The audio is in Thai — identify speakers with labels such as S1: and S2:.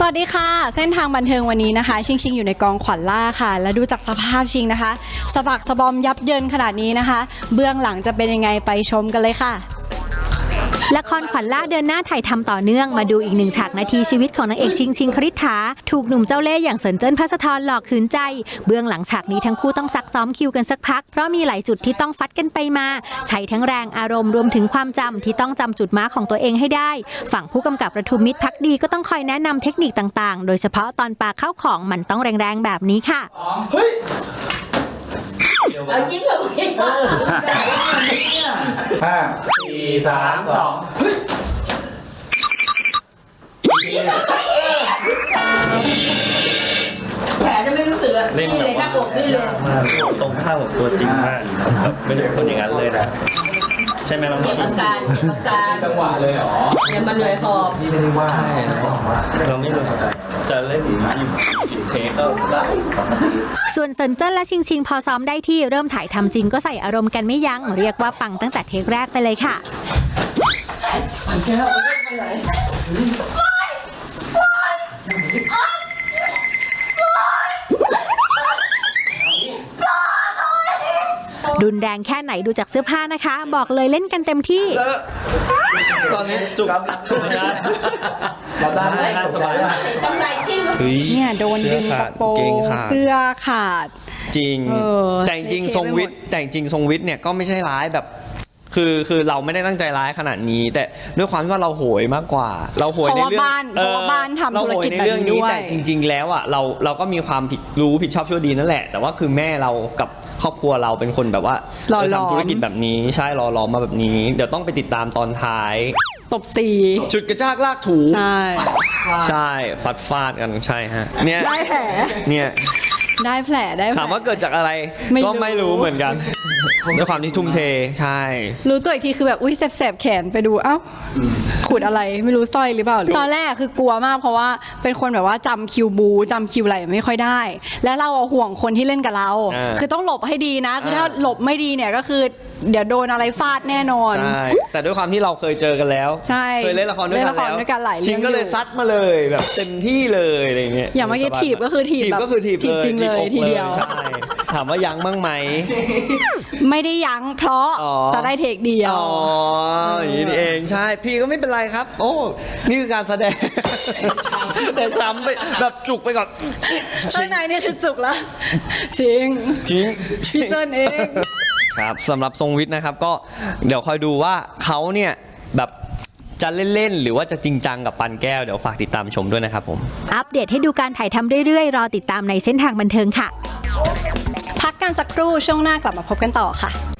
S1: สวัสดีค่ะเส้นทางบันเทิงวันนี้นะคะชิงอยู่ในกองขวัญล่าค่ะและดูจากสภาพชิงนะคะสะบักสะบอมยับเยินขนาดนี้นะคะเบื้องหลังจะเป็นยังไงไปชมกันเลยค่ะ
S2: ละครขวัญล่าเดินหน้าถ่ายทำต่อเนื่องมาดูอีกหนึ่งฉากนาทีชีวิตของนางเอกชิงคริษฐาถูกหนุ่มเจ้าเล่ห์อย่างเซินเจิ้นภัสธรหลอกขืนใจเบื้องหลังฉากนี้ทั้งคู่ต้องซักซ้อมคิวกันสักพักเพราะมีหลายจุดที่ต้องฟัดกันไปมาใช้ทั้งแรงอารมณ์รวมถึงความจำที่ต้องจำจุดม้าของตัวเองให้ได้ฝั่งผู้กำกับประทุมมิตรภักดีก็ต้องคอยแนะนำเทคนิคต่างๆโดยเฉพาะตอนปาเข้าของมันต้องแรงๆแบบนี้ค่ะ
S3: เอายิ้มแบบนี้
S4: 5 4 3 2
S3: แผลจะไม่รู้สึกอะนี่เลยหน้าอกนี่เลย
S5: มากตรงข้ามกับตัวจริงมากแบบไม่ได้คนอย่างนั้นเลยนะใช่ไหมน้องชิง
S3: จังหวะเลยเหรอเนี่ยมันเหนื่อยคอ
S4: พี่ไม่ได้ว่า
S5: เราไม่รู้จะเล่น10 เทคก็ได้
S2: ส่วนเซินเจิ้นและชิงพอซ้อมได้ที่เริ่มถ่ายทำจริงก็ใส่อารมณ์กันไม่ยั้งเรียกว่าปังตั้งแต่เทคแรกไปเลยค่ะรุนแรงแค่ไหนดูจากเสื้อผ้านะคะบอกเลยเล่นกันเต็มที่
S5: ตอนนี้จุกใช่
S3: ได้สบายกำไรจริง
S1: เนี่ยโดนดึงกระโปรงเสื้อขาด
S6: จริงแต่จริงทรงวิทย์เนี่ยก็ไม่ใช่ร้ายแบบคือเราไม่ได้ตั้งใจร้ายขนาดนี้แต่ด้วยความที่ว่าเราโหยมากกว่าเราโหยในเรื่อง
S1: เพราะว่าบ้านทำธุรกิจแบบนี้ด้วย
S6: แต่จริงๆแล้วอ่ะเราก็มีความผิดชอบชั่วดีนั่นแหละแต่ว่าคือแม่เรากับครอบครัวเราเป็นคนแบบว่าทำธุรกิจแบบนี้ใช่รอมาแบบนี้เดี๋ยวต้องไปติดตามตอนท้าย
S1: ตบตี
S6: ชุดกระชากลากถูใช่ฟาดกันใช่ฮะเนี่ย
S1: ได้แผล
S6: เนี่ย
S1: ได้แผล
S6: ถามว่าเกิดจากอะไรก็ไม่รู้เหมือนกันด้วยความที่ทุ่มเทใช่
S1: รู้ตัวอีกทีคือแบบอุ้ยแสบแขนไปดูเอ้าขูดอะไรไม่รู้สร้อยหรือเปล่าตอนแรกคือกลัวมากเพราะว่าเป็นคนแบบว่าจำคิวบูจำคิวอะไรไม่ค่อยได้และเราห่วงคนที่เล่นกับเราคือต้องหลบให้ดีนะคือถ้าหลบไม่ดีเนี่ยก็คือเดี๋ยวโดนอะไรฟาดแน่นอน
S6: ใช่แต่ด้วยความที่เราเคยเจอกันแล้วเคยเล่นละครด้วยกันหลายเรื่องชิงก็เลยซัดมาเลยแบบเต็มที่เลยอะไรเงี้ย
S1: อย่างเมื่อกี้ถีบก็คือถีบแบบถีบจริงเลยทีเดียว
S6: ถามว่ายั้งบ้างไหม
S1: ไม่ได้ยั้งเพราะจะได้เทคเดียว
S6: อย่างนี้เองใช่พี่ก็ไม่เป็นไรครับโอ้นี่คือการแสดงแต่ช้ำไปแบบจุกไปก่อน
S1: ข้างในนี่คือจุกแล้วจริงพี่เจิ้นเอง
S6: ครับสำหรับทรงวิทย์นะครับก็เดี๋ยวคอยดูว่าเขาเนี่ยแบบจะเล่นๆหรือว่าจะจริงจังกับปันแก้วเดี๋ยวฝากติดตามชมด้วยนะครับผม
S2: อัปเดตให้ดูการถ่ายทำเรื่อยๆรอติดตามในเส้นทางบันเทิงค่ะ
S1: พักกันสักครู่ช่วงหน้ากลับมาพบกันต่อค่ะ